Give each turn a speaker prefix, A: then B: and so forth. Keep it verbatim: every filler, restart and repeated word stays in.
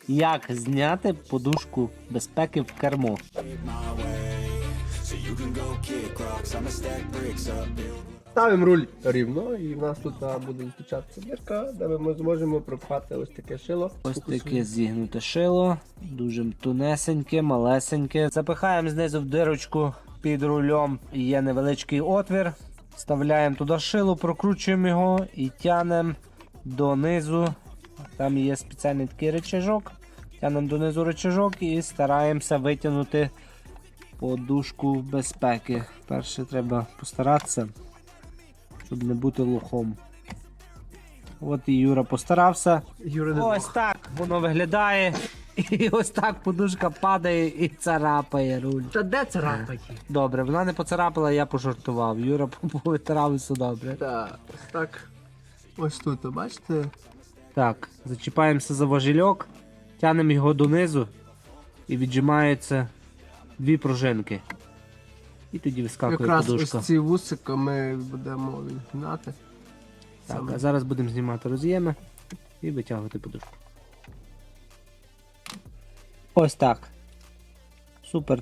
A: Як зняти подушку безпеки в кермо?
B: Ставимо руль рівно і в нас тут а, буде зустрічатися дірка, де ми зможемо пропхати ось таке шило.
A: Ось таке зігнуте шило, дуже тунесеньке, малесеньке. Запихаємо знизу в дирочку під рулем, є невеличкий отвір. Вставляємо туди шило, прокручуємо його і тягнемо донизу. Там є спеціальний такий рычажок. Тягнемо донизу рычажок і стараємося витягнути подушку безпеки. Перше треба постаратися, щоб не бути лохом. От і Юра постарався.
B: Юра, не
A: Ось
B: Бог.
A: так воно виглядає. І ось так подушка падає і царапає руль.
B: Та де царапать?
A: Добре, вона не поцарапала, я пожартував. Юра повитирав, все добре.
B: Так, ось так. Ось тут, бачите?
A: Так, зачіпаємося за важільок, тягнемо його донизу і віджимаються дві пружинки. І тоді вискакує
B: Якраз
A: подушка.
B: ось ці вусика ми будемо відгнати.
A: Так,
B: Саме.
A: а зараз будемо знімати роз'єми і витягувати подушку. Ось так. Супер.